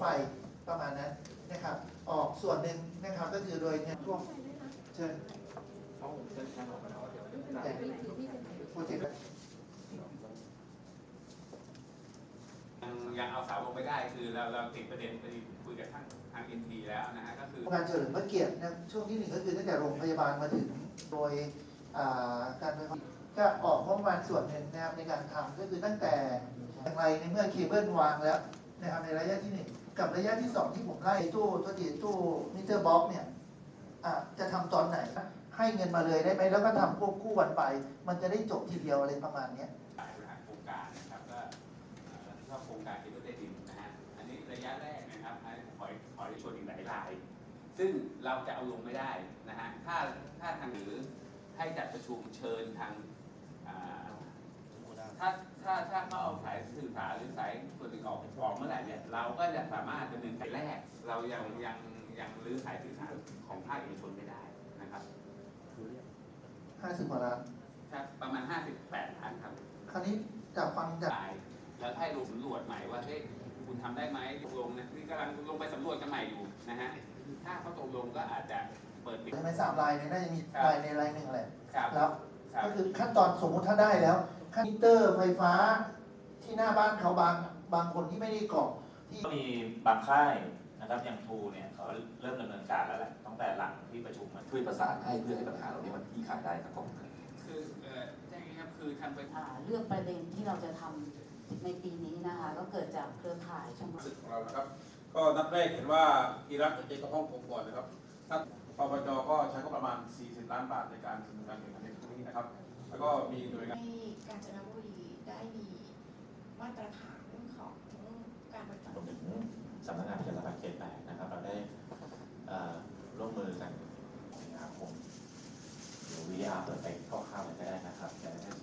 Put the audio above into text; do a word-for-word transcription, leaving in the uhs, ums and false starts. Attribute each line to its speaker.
Speaker 1: ไฟประมาณนั้นนะครับออกส่วนหนึ่งนะครับก็คือโดยเงินร่วมเชิญแต่โปรเจกต์
Speaker 2: ยังยังเอาเสาลงไม่ได้คือเราเราติดประเด็นไปคุยกับทางทางเอ็นทีแล้วนะฮะก็คือ
Speaker 1: งานเฉลิมพระเกียรตินะช่วงที่หนึ่งก็คือตั้งแต่โรงพยาบาลมาถึงโดยการไฟฟ้าก็ออกงบประมาณส่วนหนึ่งนะครับในการทำก็คือตั้งแต่อย่างไรในเมื่อเคเบิลวางแล้วนะครับในระยะที่หนึ่งกับระยะที่สองที่ผมไล่ตู้ตัวตีตู้มิเตอร์บ็อกเนี่ยจะทำตอนไหนให้เงินมาเลยได้ไหมแล้วก็ทำควบคู่วันไปมันจะได้จบทีเดียวอะไรประมาณนี้
Speaker 2: สายบริหารโครงการนะครับก็ชอบโครงการเคเบิลใต้ดินนะฮะอันนี้ระยะแรกนะครับขอขอได้ชวนอีกหลายรายซึ่งเราจะเอาลงไม่ได้นะฮะถ้าถ้าทางหรือให้จัดประชุมเชิญทางถ้าถ้าถ้าเขาเอาสายสื่อสารหรือสายส่วนหนึ่งออกออกเมื่อไหร่เนี่ยเราก็จะสามารถดำเนินการแรกเรายังยังยังรื้อสายสื่อสารของภาคเอกชนไม่ได้นะครับ
Speaker 1: ห้าสิบกว่าล้าน
Speaker 2: ครับประมาณห้าสิบแปดล้านครับ
Speaker 1: คราวนี้จากฟังจาก
Speaker 2: แล้วให้ลงสำรวจใหม่ว่าเฮ้ยคุณทำได้ไหมตกลงนะนี่กำลังลงไปสำรวจกันใหม่อยู่นะฮะถ้าเขาตกลงก็อาจจะเปิดปิด
Speaker 1: ใช่ไหมสามรายเนี่ยน่าจะมีรายในรายหนึ่งแหละ
Speaker 2: แล้ว
Speaker 1: ก็คือขั้นตอนสมมุติถ้าได้แล้วขั้นมิเตอร์ไฟฟ้าที่หน้าบ้านเขาบางบางคนที่ไม่ได้กรอกที่
Speaker 3: มีบางค่ายนะครับอย่างทูเนี่ยเขาเริ่มดำเนินการแล้วแหละตั้งแต่หลังที่ประชุมมัน
Speaker 4: ช่วยประสานให้เพื่อให้ปัญหาเหล่านี้มันคลี่คลายได้ครับผม
Speaker 2: คือเอ่อแจ้งครับคือทางไป
Speaker 5: เรื่องประเด็นที่เราจะทำในปีนี้นะคะก็เกิดจากเครือข่ายชมรม
Speaker 6: ของเรานะครับก็นัดแรกเห็นว่าอีรักจะเจอกับฮ่องกงก่อนนะครับท่านปปจก็ใช้ก็ประมาณสี่สิบล้านบาทในการดำเนินการแข่งขันในครั้งนี้นะครับแล้วก็มีหน่วยงาน
Speaker 7: ให้กาญจนบุรีได้มีมาตรฐานของการปฏิบัติ
Speaker 4: รวมถึงสำนักงานประชาสัมพันธ์เขตแปดนะครับเราได้ร่วมมือกันสิงหาคมหรือ วี อาร์ เปิดไปคร่าวๆเลยก็ได้นะครับ